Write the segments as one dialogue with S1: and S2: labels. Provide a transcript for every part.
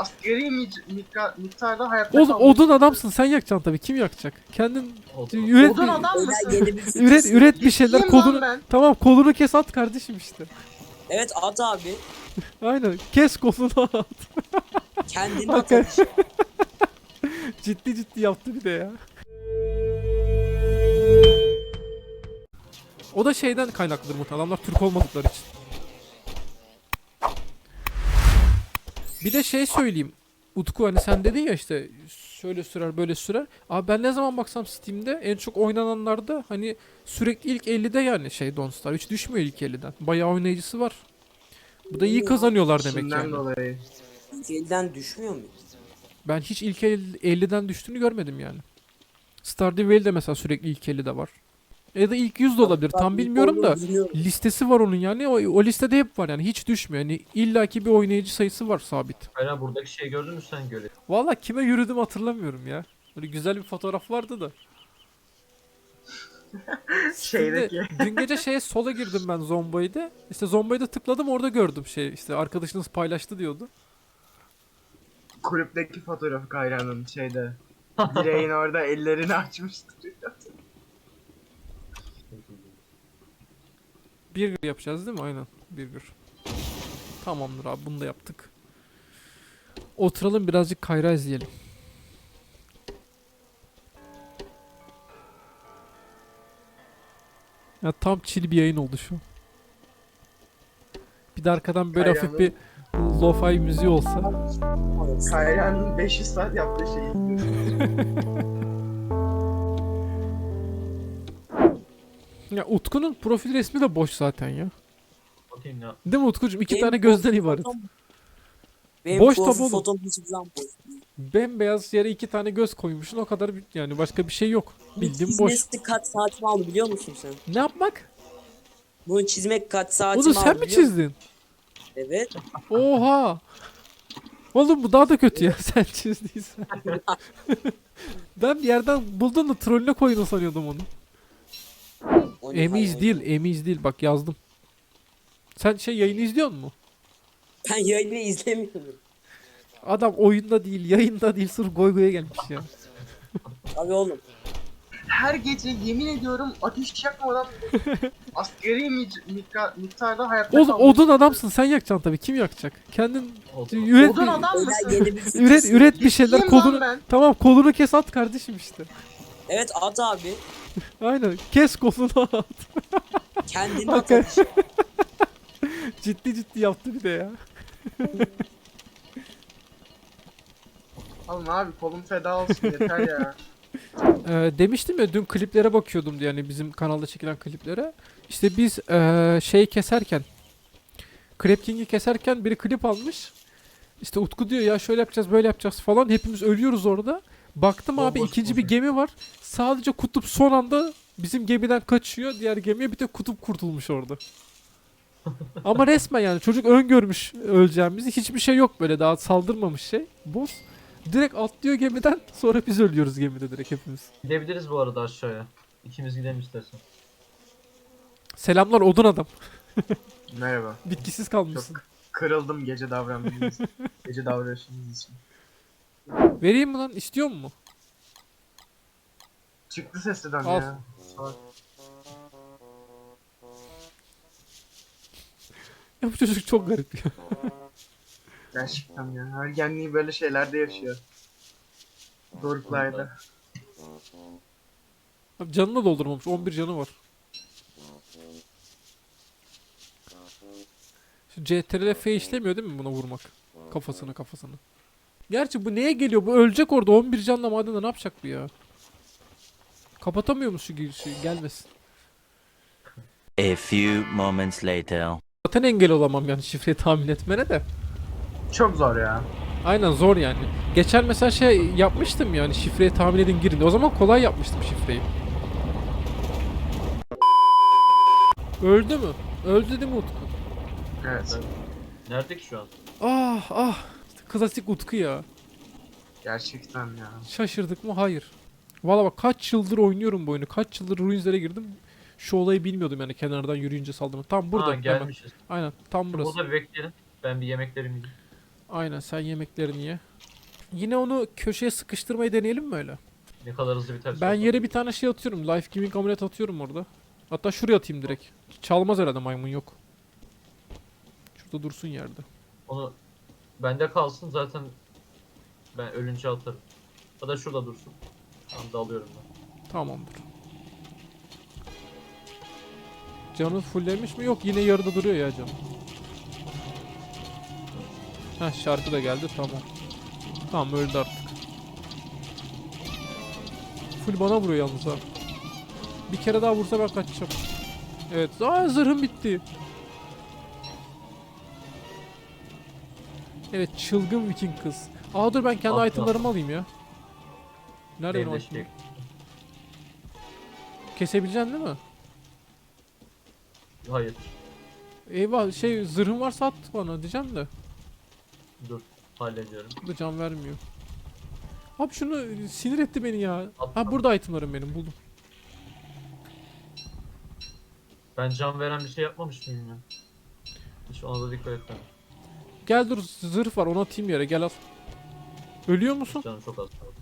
S1: asgari miktarda hayatta
S2: Oğlum
S1: kalmak
S2: odun
S1: istiyorum.
S2: adamsın, sen yakacaksın tabii. Kim yakacak? Kendin
S3: Odun.
S2: üret,
S1: Odun adam mısın?
S4: Yeni bir fikir.
S2: üret bir şeyler,
S1: Ciddiyim lan
S2: kolunu.
S1: ben.
S2: Tamam, kolunu kes at kardeşim işte.
S4: Evet at abi.
S2: Aynen, kes kolunu at.
S4: Kendini
S2: Hakikaten.
S4: at işte.
S2: Ciddi ciddi yaptı bir de ya. O da şeyden kaynaklıdır muhtemelen. Adamlar Türk olmadıkları için. Bir de şey söyleyeyim. Utku, hani sen dedin ya işte şöyle sürer böyle sürer. Abi ben ne zaman baksam Steam'de en çok oynananlarda hani sürekli ilk 50'de, yani şey Don't Starve hiç düşmüyor ilk 50'den. Bayağı oynayıcısı var. Bu da iyi kazanıyorlar demek
S1: İşinden
S2: yani.
S1: dolayı.
S4: Elden düşmüyor mu?
S2: Ben hiç ilk 50'den düştüğünü görmedim yani. Stardew Valley de mesela sürekli ilk 50'de var. Ya da ilk 100 de olabilir. Tam bilmiyorum da listesi var onun yani. O listede hep var yani. Hiç düşmüyor. Yani illaki bir oynayıcı sayısı var sabit.
S3: Hayır, buradaki şeyi gördün mü sen göre?
S2: Valla kime yürüdüm hatırlamıyorum ya. Böyle güzel bir fotoğraf vardı da.
S1: Şeydeki.
S2: Şimdi dün gece şeye sola girdim ben Zomboid'e. İşte Zomboid'e tıkladım, orada gördüm şey işte arkadaşınız paylaştı diyordu.
S1: Kulüpteki fotoğrafı Kayra'nın şeyde. Direğin orada ellerini açmıştır.
S2: Burger yapacağız değil mi? Aynen. Burger. Tamamdır abi, bunu da yaptık. Oturalım birazcık Kayra izleyelim. Ya tam chill bir yayın oldu şu an. Bir de arkadan böyle hafif bir lo-fi müziği olsa.
S1: Kayra'nın 500 saat yaptığı şeyi izliyorum.
S2: Ya Utku'nun profil resmi de boş zaten ya.
S3: Bakayım ne.
S2: Değil mi Utkucuğum? İki
S4: Benim
S2: tane gözden
S4: profil
S2: ibaret.
S4: fotom- Benim
S2: Boş
S4: profil
S2: tabi oğlum.
S4: fotom hiçbir zaman boş.
S2: Bembeyaz yere iki tane göz koymuşsun, o kadar yani başka bir şey yok. Bildiğin boş.
S4: Çizmesi kaç saatimi aldı biliyor musun sen?
S2: Ne yapmak?
S4: Bunu çizmek kaç saatimi
S2: Onu
S4: aldı
S2: sen mi
S4: biliyor musun?
S2: çizdin?
S4: Evet.
S2: Oha! Oğlum bu daha da kötü ya sen çizdiysen. Ben bir yerden buldum da trollüne koydun sanıyordum onu. Emiz değil, emiz değil, bak yazdım. Sen şey yayını izliyor musun?
S4: Ben yayını izlemiyorum.
S2: Adam oyunda değil, yayında değil, sırf goy goya gelmiş ya.
S4: Abi oğlum.
S1: Her gece yemin ediyorum ateş yakmadan asgari miktarda hayatta
S2: Oğlum
S1: kalmak
S2: odun adamsın, sen yakacaksın tabii. Kim yakacak? Kendin
S3: Odun.
S2: üret,
S1: Odun adam mısın?
S4: Yeni bir fikir.
S2: üret bir şeyler,
S1: Ciddiyim lan
S2: kolunu.
S1: ben.
S2: Tamam, kolunu kes at kardeşim işte.
S4: Evet at abi.
S2: Aynen, kes kolunu at.
S4: Kendini at
S2: Hakikaten.
S4: işte.
S2: Ciddi ciddi yaptı bir de ya.
S1: Oğlum abi kolum feda olsun yeter ya.
S2: Demiştim ya dün kliplere bakıyordum diye, yani bizim kanalda çekilen kliplere. İşte biz şey keserken, Crab King'i keserken biri klip almış. İşte Utku diyor ya şöyle yapacağız böyle yapacağız falan. Hepimiz ölüyoruz orada. Baktım abi
S3: Bomboş
S2: ikinci bir
S3: boş.
S2: gemi var. Sadece kutup son anda bizim gemiden kaçıyor. Diğer gemiye bir tek kutup kurtulmuş orada. Ama resmen yani çocuk öngörmüş öleceğimizi. Hiçbir şey yok böyle, daha saldırmamış şey. Boss. Direkt atlıyor gemiden, sonra biz ölüyoruz gemide direkt hepimiz.
S3: Gidebiliriz bu arada aşağıya. İkimiz gidelim istersen.
S2: Selamlar odun adam.
S1: Merhaba.
S2: Bitkisiz kalmışsın.
S1: Çok kırıldım gece davrandığınız gece davranışınız için.
S2: Vereyim mi lan? İstiyor mu?
S1: Çıktı sesiden
S2: Al.
S1: ya. Salak.
S2: Ya bu çocuk çok garip ya.
S1: Gerçekten ya. Ergenliği böyle şeylerde yaşıyor. Doruklarda.
S2: Abi canını doldurmamış. 11 canı var. Şu CTRL F işlemiyor değil mi buna vurmak? Kafasını. Gerçi bu neye geliyor? Bu ölecek orada. 11 canla madende ne yapacak bu ya? Kapatamıyor musun şu girişi? Gelmesin.
S5: A few moments later.
S2: Zaten engel olamam yani şifreyi tahmin etmene de.
S1: Çok zor ya.
S2: Aynen, zor yani. Geçen mesela şey yapmıştım yani, şifreyi tahmin edin girin. O zaman kolay yapmıştım şifreyi. Öldü mü? Öldü değil mi Utku?
S1: Evet.
S3: Nerede ki şu an?
S2: Ah. İşte klasik Utku ya.
S1: Gerçekten ya.
S2: Şaşırdık mı? Hayır. Valla bak kaç yıldır oynuyorum bu oyunu. Kaç yıldır Ruins'lere girdim. Şu olayı bilmiyordum yani, kenardan yürüyünce saldım. Tam burada.
S3: Ha,
S2: Hemen.
S3: gelmişiz.
S2: Aynen tam burası.
S3: Burada bir bekleyelim. Ben bir yemeklerimi yiyeyim.
S2: Aynen, sen yemeklerini ye. Yine onu köşeye sıkıştırmayı deneyelim mi öyle?
S3: Ne kadar hızlı biter.
S2: Ben yere bir tane şey atıyorum. Life Giving amulet atıyorum orada. Hatta şuraya atayım direkt. Çalmaz herhalde, maymun yok. Şurada dursun yerde.
S3: Onu bende kalsın zaten, ben ölünce atarım. Ya da şurada dursun. Tam da alıyorum ben.
S2: Tamamdır. Canı fulllemiş mi? Yok, yine yarıda duruyor ya canım. Heh, şarkı da geldi, tamam. Tamam, öldü artık. Full bana vuruyor yalnız ha. Bir kere daha vursa ben kaçacağım. Evet. Aa, zırhım bitti. Evet, çılgın Viking kız. Aa dur, ben kendi
S3: Ah,
S2: itemlarımı alayım ya. Nerede benim
S3: Benim de
S2: itemlerim?
S3: şey.
S2: Kesebileceksin değil mi?
S3: Hayır.
S2: Eyvah, şey, zırhın varsa at bana diyeceğim de.
S3: Dur. Hallediyorum.
S2: Bu da can vermiyor. Abi şunu sinir etti beni ya.
S3: At-
S2: Ha, burada itemlarım benim, buldum.
S3: Ben can veren bir şey yapmamış mıyım ya? Hiç ona da dikkat etmedim.
S2: Gel dur, zırh var, onu atayım yere, gel al. Ölüyor musun?
S3: Canım çok az kaldı.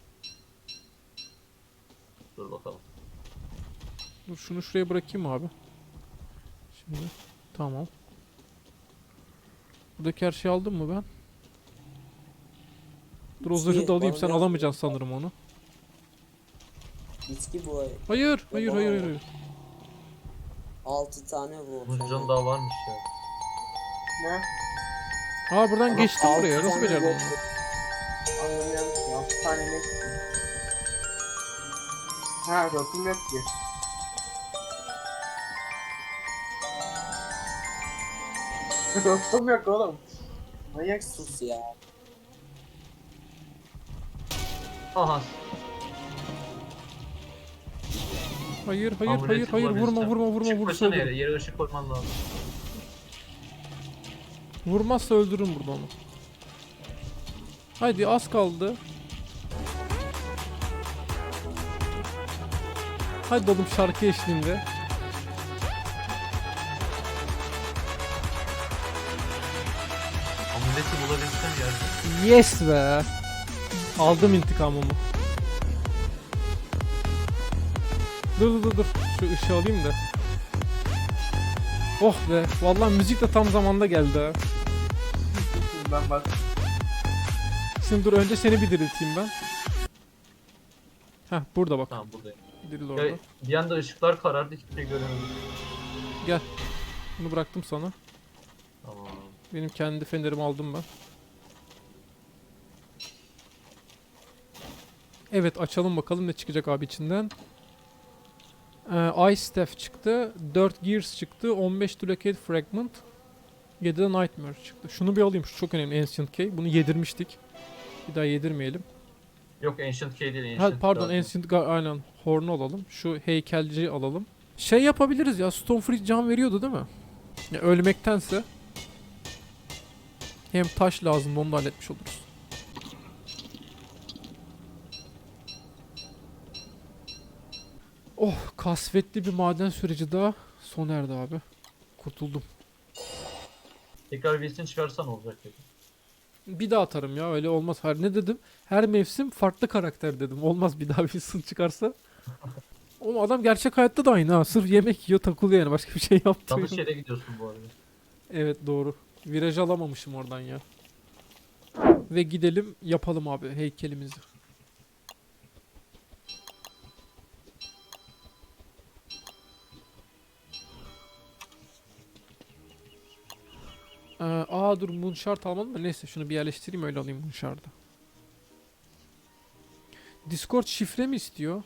S3: Dur bakalım.
S2: Dur, şunu şuraya bırakayım abi. Şimdi tamam. Buradaki her şeyi aldım mı ben? Dur, o zırhı da alayım, sen alamayacaksın sanırım onu.
S4: Bitki bu ay.
S2: Hayır, hayır, hayır, hayır.
S4: 6 tane bu.
S3: Bunun canı daha varmış ya.
S1: Ne?
S2: Aa, buradan
S1: Ama
S2: geçtim
S4: altı
S2: buraya, nasıl
S4: tane
S2: becerdin
S4: yok.
S2: onu?
S1: Anlamıyorum ki. 6 tane ne istiyor? Ha, rotum yok ki. Rotum yok oğlum. Manyaksın.
S4: Sus ya.
S3: Aha.
S2: Hayır, hayır, hayır,
S3: Amuleti
S2: hayır, vurma,
S3: bulabilsem.
S2: vurma, vurma, vurursa
S3: Çıkmasana
S2: öldürürüm.
S3: yere. Yere ışık koyman lazım.
S2: Vurmazsa öldürürüm burada onu. Haydi, az kaldı. Hadi oğlum, şarkı eşliğinde.
S3: Amuleti bulabilsem yerde.
S2: Yes be. Aldım intikamımı. Dur. Şu ışığı alayım da. Oh be. Vallahi müzik de tam zamanda geldi ha.
S1: Ben bak.
S2: Şimdi dur, önce seni bir dirilteyim ben. Heh, burada bak.
S3: Tamam buradayım.
S2: Diril
S3: Ya,
S2: orada.
S3: bir anda ışıklar karardı, hiçbir şey göremedim.
S2: Gel. Bunu bıraktım sana.
S3: Tamam.
S2: Benim kendi fenerimi aldım ben. Evet, açalım bakalım ne çıkacak abi içinden. Ice Staff çıktı. 4 Gears çıktı. 15 Duplicate Fragment. 7 de Nightmare çıktı. Şunu bir alayım. Şu çok önemli, Ancient Key. Bunu yedirmiştik. Bir daha yedirmeyelim.
S3: Yok Ancient Key değil.
S2: Ha,
S3: Ancient
S2: pardon,
S3: Garden.
S2: Ancient aynen. Horn'u alalım. Şu heykelci alalım. Şey yapabiliriz ya. Stonefree can veriyordu değil mi? Ya, ölmektense. Hem taş lazım, onu da halletmiş oluruz. Oh, kasvetli bir maden süreci daha sona erdi abi. Kurtuldum.
S3: Tekrar birisini çıkarsan olacak dedi.
S2: Bir daha atarım ya, öyle olmaz. Hayır, ne dedim? Her mevsim farklı karakter dedim. Olmaz bir daha bir sın çıkarsa. Oğlum, adam gerçek hayatta da aynı ha. Sırf yemek yiyor, takılıyor yani. Başka bir şey yapmıyor.
S3: Yanlış yere gidiyorsun bu arada.
S2: Evet, doğru. Viraj alamamışım oradan ya. Ve gidelim yapalım abi heykelimizi. Dur, Moonshard almadım da neyse, şunu bir yerleştireyim, öyle alayım Moonshard'ı. Discord şifre mi istiyor?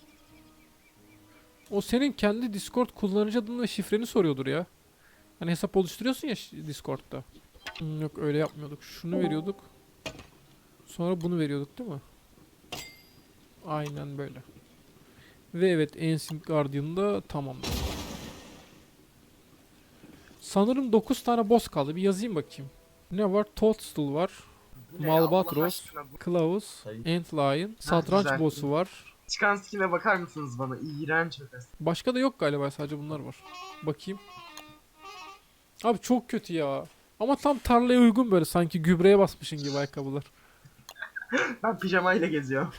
S2: O senin kendi Discord kullanıcı adını ve şifreni soruyordur ya. Hani hesap oluşturuyorsun ya Discord'da. Yok, öyle yapmıyorduk. Şunu veriyorduk. Sonra bunu veriyorduk değil mi? Aynen böyle. Ve evet, Ancient Guardian'da tamamdır. Sanırım 9 tane boss kaldı. Bir yazayım bakayım. Ne var? Toadstool var.
S1: Bu ne ya? Allah
S2: Malbatros,
S1: aşkına bu-
S2: Klaus,
S3: Hayır.
S2: Antlion, Satranç
S1: güzel.
S2: boss'u var.
S1: Çıkan skin'e bakar mısınız bana? İğrenç ötesi.
S2: Başka da yok galiba, sadece bunlar var. Bakayım. Abi çok kötü ya. Ama tam tarlaya uygun böyle sanki gübreye basmışın gibi ayakkabılar.
S1: Ben pijamayla geziyorum.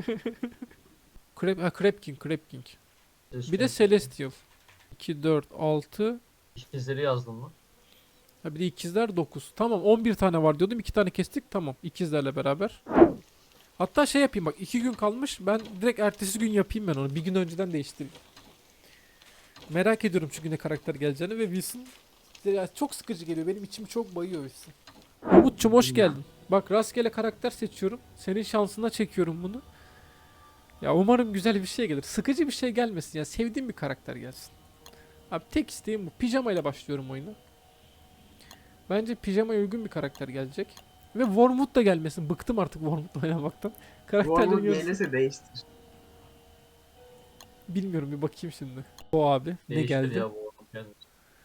S2: Crab King. Bir de Celestial. 2, 4, 6.
S3: İkizleri yazdın mı?
S2: Ha bir de ikizler 9. Tamam 11 tane var diyordum. 2 tane kestik. Tamam ikizlerle beraber. Hatta şey yapayım bak 2 gün kalmış. Ben direkt ertesi gün yapayım ben onu. Bir gün önceden değiştireyim. Merak ediyorum çünkü ne karakter geleceğini ve Wilson ya çok sıkıcı geliyor. Benim içimi çok bayıyor Wilson. Umut'cum hoş geldin. Bak rastgele karakter seçiyorum. Senin şansına çekiyorum bunu. Ya umarım güzel bir şey gelir. Sıkıcı bir şey gelmesin ya. Sevdiğim bir karakter gelsin. Abi tek isteğim bu. Pijamayla başlıyorum oyuna. Bence pijamaya uygun bir karakter gelecek. Ve Wormwood da gelmesin. Bıktım artık Wormwood oynamaktan. Karakterlerin
S1: Warmwood
S2: yarısı...
S1: gelirse değiştir.
S2: Bilmiyorum bir bakayım şimdi. O abi ne
S3: Değiştir
S2: geldi?
S3: ya bu oğlum kendisi.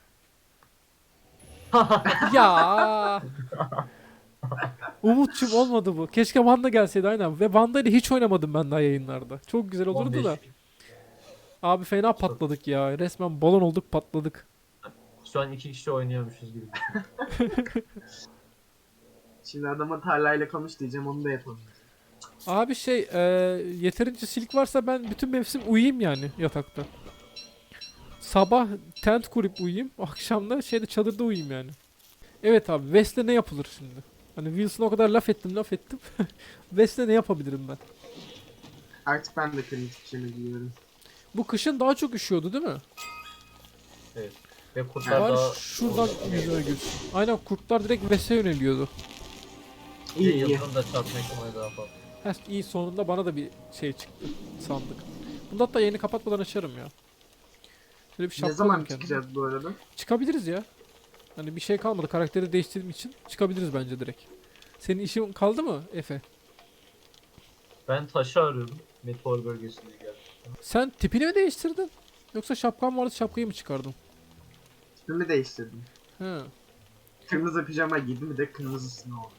S2: Ya. Umutçum olmadı bu. Keşke Vanda gelseydi aynen. Ve Vanda ile hiç oynamadım ben daha yayınlarda. Çok güzel olurdu
S3: 15.
S2: da. Abi fena patladık ya. Resmen balon olduk patladık.
S3: Şu an 2 kişi oynuyormuşuz gibi.
S1: Şimdi adama tarlayla konuş diyeceğim, onu da yapalım.
S2: Abi yeterince silik varsa ben bütün mevsim uyuyayım yani yatakta. Sabah tent kurup uyuyayım. Akşam da çadırda uyuyayım yani. Evet abi West'le ne yapılır şimdi? Hani Wilson'a o kadar laf ettim. West'le ne yapabilirim ben?
S1: Artık ben de kırmızı pijama giyiyorum.
S2: Bu kışın daha çok üşüyordu değil mi?
S3: Evet. Ve kurtlar
S2: Bari
S3: daha...
S2: şuradan yüzüne gülsün. Aynen kurtlar direkt West'e yöneliyordu.
S1: İyi iyi.
S3: Yıldırım da çarpma ihtimali daha fazla.
S2: Heh, iyi sonunda bana da bir şey çıktı sandık. Bunu hatta yayını kapatmadan açarım ya. Şöyle bir şapka
S1: Ne zaman
S2: alayım kendime.
S1: çıkacağız bu arada?
S2: Çıkabiliriz ya. Hani bir şey kalmadı. Karakteri değiştirdiğim için çıkabiliriz bence direkt. Senin işin kaldı mı Efe?
S3: Ben taşı arıyorum. Meteor bölgesinde geldim.
S2: Sen tipini mi değiştirdin? Yoksa şapkan vardı şapkayı mı çıkardın?
S1: Tipimi değiştirdim.
S2: He.
S1: Kırmızı pijama giydim, bir de kırmızısını oldu.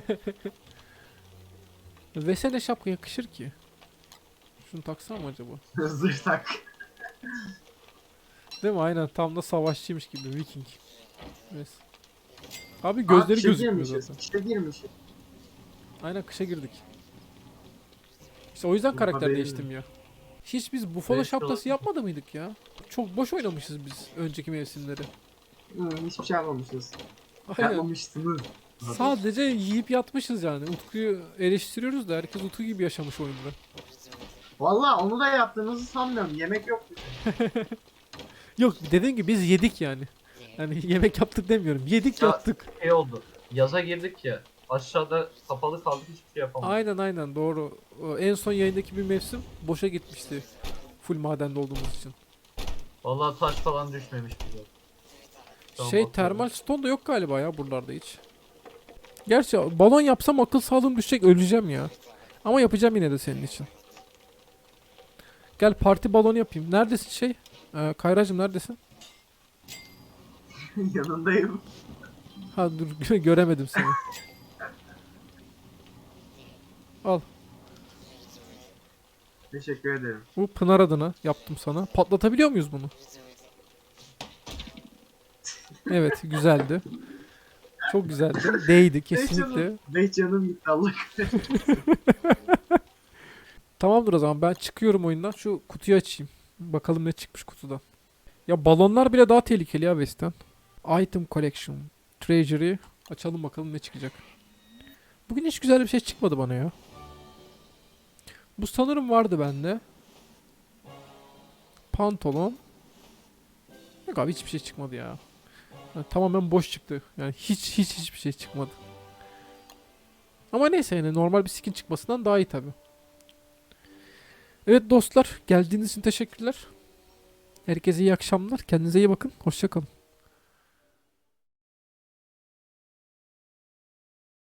S2: Vesele şapka yakışır ki. Şunu taksam mı acaba?
S1: Zırh tak.
S2: Değil mi? Aynen tam da savaşçıymış gibi. Viking. Evet. Abi gözleri
S1: kışa
S2: gözükmüyor
S1: girmişiz,
S2: zaten.
S1: kışa girmişiz.
S2: Aynen kışa girdik. İşte o yüzden
S1: Benim
S2: karakter
S1: haberim
S2: değiştim ya. Hiç biz bufalo
S3: Evet,
S2: şapkası
S3: olabilir.
S2: yapmadı mıydık ya? Çok boş oynamışız biz önceki mevsimleri.
S1: Hiçbir şey yapmamışız.
S2: Aynen.
S1: Yapmamışsınız.
S2: Sadece yiyip yatmışız yani. Utku'yu eleştiriyoruz da herkes Utku gibi yaşamış oyunda.
S1: Valla onu da yaptığınızı sanmıyorum. Yemek yok.
S2: Yok dediğim gibi biz yedik yani. Yani yemek yaptık demiyorum. Yedik
S3: Ya-
S2: yattık.
S3: Şey oldu. Yaza girdik ya. Aşağıda kapalı kaldık, hiçbir şey yapamadık.
S2: Aynen doğru. O en son yayındaki bir mevsim boşa gitmişti. Full madende olduğumuz için.
S3: Vallahi taş falan düşmemiş bize. Tamam,
S2: Şey
S3: bakıyorum.
S2: termal stone da yok galiba ya buralarda hiç. Gerçi balon yapsam akıl sağlığım düşecek öleceğim ya. Ama yapacağım yine de senin için. Gel parti balonu yapayım. Neredesin Kayracığım neredesin?
S1: Yanındayım.
S2: Ha dur göremedim seni. Al.
S1: Teşekkür ederim.
S2: Bu Pınar adına yaptım sana. Patlatabiliyor muyuz bunu? Evet güzeldi. Çok güzeldi. Değdi kesinlikle.
S1: Ve canım gitti Allah kahretsin.
S2: Tamamdır o zaman ben çıkıyorum oyundan. Şu kutuyu açayım. Bakalım ne çıkmış kutudan. Ya balonlar bile daha tehlikeli ya West'ten. Item Collection. Treasury. Açalım bakalım ne çıkacak. Bugün hiç güzel bir şey çıkmadı bana ya. Bu sanırım vardı bende. Pantolon. Yok abi hiçbir şey çıkmadı ya. Yani tamamen boş çıktı. Yani hiçbir şey çıkmadı. Ama neyse yani normal bir skin çıkmasından daha iyi tabi. Evet dostlar geldiğiniz için teşekkürler. Herkese iyi akşamlar. Kendinize iyi bakın. Hoşça kalın.